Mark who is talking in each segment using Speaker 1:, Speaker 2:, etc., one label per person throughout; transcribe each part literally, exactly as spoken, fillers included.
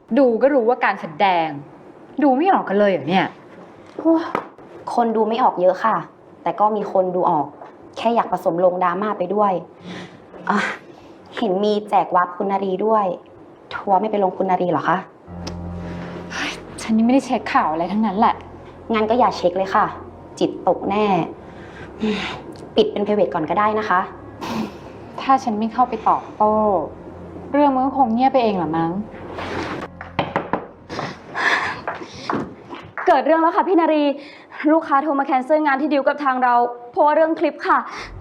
Speaker 1: ดูก็รู้ว่าการแสดงดูไม่ออกกันเลยเหรอเนี่ย
Speaker 2: คนดูไม่ออกเยอะค่ะ แต่ก็มีคนดูออกแค่อยากผสมลงดราม่าไปด้วยอ่ะเห็นมีแจกวับคุณนารีด้วยทัวร์ไม่ไปลงคุณนารีเหรอคะ
Speaker 1: ฉันนี่ไม่ได้เช็คข่าวอะไรทั้งนั้นแหละ
Speaker 2: งั้นก็อย่าเช็คเลยค่ะ จิตตกแน่ปิดเป็น private ก่อนก็ได้นะคะ
Speaker 1: ถ้าฉันไม่เข้าไปตอบโต้เรื่องมันก็คงเงียบไปเองหรอมั้ง
Speaker 3: เกิดเรื่องแล้วค่ะพี่นารีลูกค้าโทรมาแคนเซิลงานที่ดิวกับทางเราเพราะว่าเรื่องคลิปค่ะ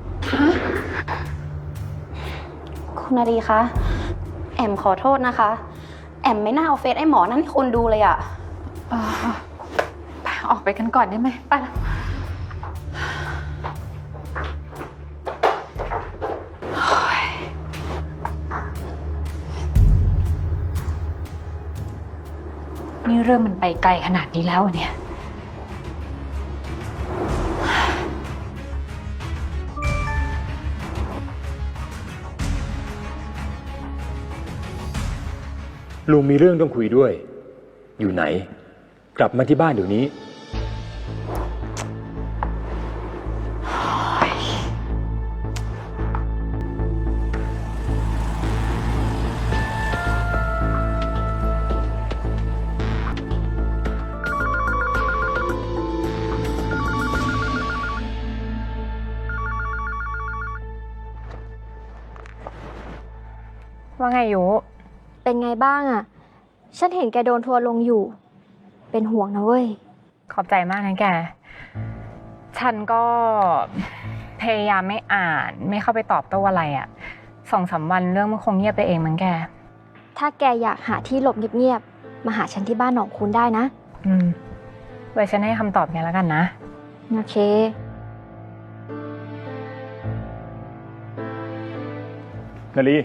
Speaker 2: คุณนารีคะแอมขอโทษนะคะแอมไม่น่าเอาเฟซไอ้หมอนั่นให้คนดูเลยอะ
Speaker 1: ออกไปกันก่อนได้ไหมไปละนี่เรื่องมันไปไกลขนาดนี้แล้วเนี่ย
Speaker 4: ลุงมีเรื่องต้องคุยด้วยอยู่ไหนกลับมาที่บ้านเดี๋ยวนี้
Speaker 5: ว่าไงยูเป็นไงบ้างอะฉันเห็นแกโดนทัวร์ลงอยู่เป็นห่วงนะเว้ย
Speaker 6: ขอบใจมากนะแกฉันก็พยายามไม่อ่านไม่เข้าไปตอบโต้อะไรอะสองสามวันเรื่องมันคงเงียบไปเองมั้งแก
Speaker 5: ถ้าแกอยากหาที่หลบเงียบๆมาหาฉันที่บ้านหนองคุณได้นะ
Speaker 6: อืมไว้ฉันให้คำตอบแกแล้วกันนะ
Speaker 5: โอเค
Speaker 4: นาลี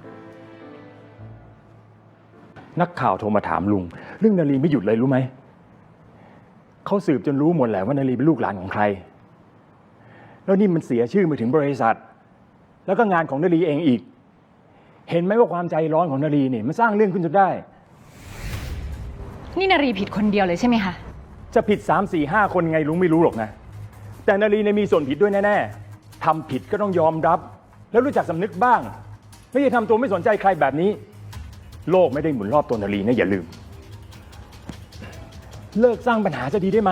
Speaker 4: นักข่าวโทรมาถามลุงเรื่องนาลีไม่หยุดเลยรู้ไหมเขาสืบจนรู้หมดแหละว่านาลีเป็นลูกหลานของใครแล้วนี่มันเสียชื่อมาถึงบริษัทแล้วก็งานของนาลีเองอีกเห็นไหมว่าความใจร้อนของนาลีเนี่ยมันสร้างเรื่องขึ้นจนได้
Speaker 1: นี่นารีผิดคนเดียวเลยใช่ไหมคะ
Speaker 4: จะผิดสามสี่ห้าคนไงลุงไม่รู้หรอกนะแต่นาลีเนี่ยมีส่วนผิดด้วยแน่ๆทำผิดก็ต้องยอมรับแล้วรู้จักสำนึกบ้างไม่ใช่ทำตัวไม่สนใจใครแบบนี้โลกไม่ได้หมุนรอบตัวนาลีนะอย่าลืมเลิกสร้างปัญหาจะดีได้ไหม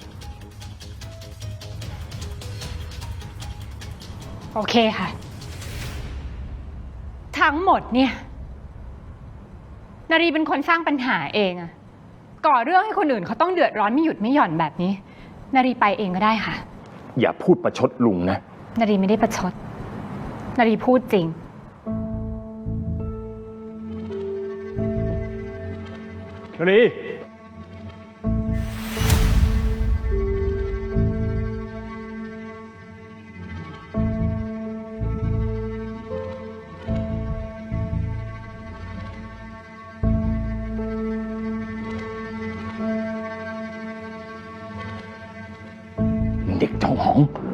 Speaker 1: โอเคค่ะทั้งหมดเนี่ยนารีเป็นคนสร้างปัญหาเองอะก่อเรื่องให้คนอื่นเขาต้องเดือดร้อนไม่หยุดไม่หย่อนแบบนี้นารีไปเองก็ได้ค่ะ
Speaker 4: อย่าพูดประชดลุงนะ
Speaker 1: นารีไม่ได้ประชดนารีพูดจริง
Speaker 4: นาลีเด็กเจ้าหอง